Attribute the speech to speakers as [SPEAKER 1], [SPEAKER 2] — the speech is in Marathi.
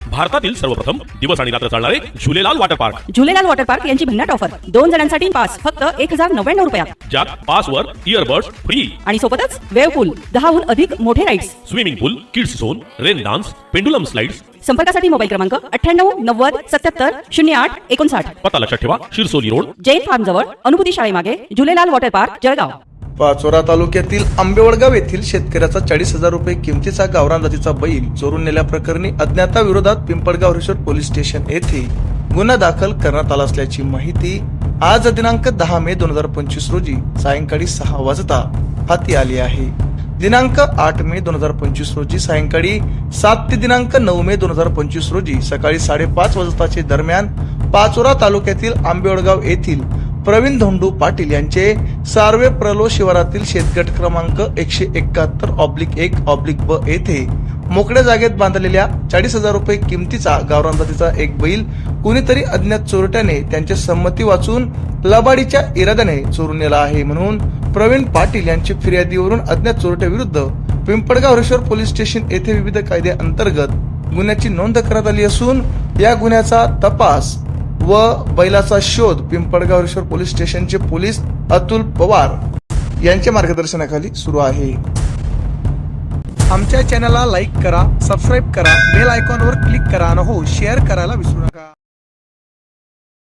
[SPEAKER 1] भारतातील सर्वप्रथम दिवस आणि रात्र चालणारे Jhulelal water park.
[SPEAKER 2] Jhulelal water park यांची भन्नाट ऑफर 2 जणांसाठी पास फक्त 1099 रुपयात.
[SPEAKER 1] ज्यात पासवर इयरबड्स फ्री
[SPEAKER 2] आणि सोबतच वेव पूल, 10हून अधिक मोठे rides,
[SPEAKER 1] swimming pool, kids zone, rain dance, pendulum slides.
[SPEAKER 2] संपर्कासाठी मोबाईल क्रमांक 98 90 77 08 59.
[SPEAKER 1] पत्ता लक्षात ठेवा, शिरसोली रोड,
[SPEAKER 2] जैन फार्म जवळ, अनुभूती शाळेमागे, झुलेलाल वॉटर पार्क, जळगाव.
[SPEAKER 3] पाचोरा तालुक्यातील आंबेवडगाव येथील शेतकऱ्याचा 40,000 रुपये किमतीचा गावरान जातीचा बैल चोरून नेल्याप्रकरणी अज्ञाताविरोधात पिंपळगाव रिसोर्ट पोलीस स्टेशन येथे गुन्हा दाखल करण्यात आला असल्याची माहिती आज दिनांक 10 मे 2025 रोजी सायंकाळी 6 वाजता हाती आली आहे. दिनांक 8 मे 2025 रोजी सायंकाळी 7 ते दिनांक 9 मे 2025 रोजी सकाळी 5:30 वाजताचे दरम्यान पाचोरा तालुक्यातील आंबेवडगाव येथील प्रवीण धोंडू पाटील यांचे सार्वे प्रलो शिवारातील शेतगट क्रमांक 171/1/ब येथे मोकळ्या जागेत बांधलेल्या 40,000 रुपये किमतीचा गावरान जातीचा एक बैल कुणीतरी अज्ञात चोरट्याने त्यांची संमती वाचून लबाडीच्या इराद्याने चोरून नेला आहे. म्हणून प्रवीण पाटील यांची फिर्यादीवरून अज्ञात चोरट्या विरुद्ध पिंपळगाव रिसोर्ट पोलीस स्टेशन येथे विविध कायद्या अंतर्गत गुन्ह्याची नोंद करण्यात आली असून या गुन्ह्याचा तपास व बैलाचा शोध पिंपळगाव रिसोर्ट पोलीस स्टेशनचे पोलीस अतुल पवार यांच्या मार्गदर्शनाखाली सुरू आहे.
[SPEAKER 4] आमच्या चॅनलला लाईक करा, सबस्क्राईब करा, बेल आयकॉनवर क्लिक करा आणि हो शेअर करायला विसरू नका.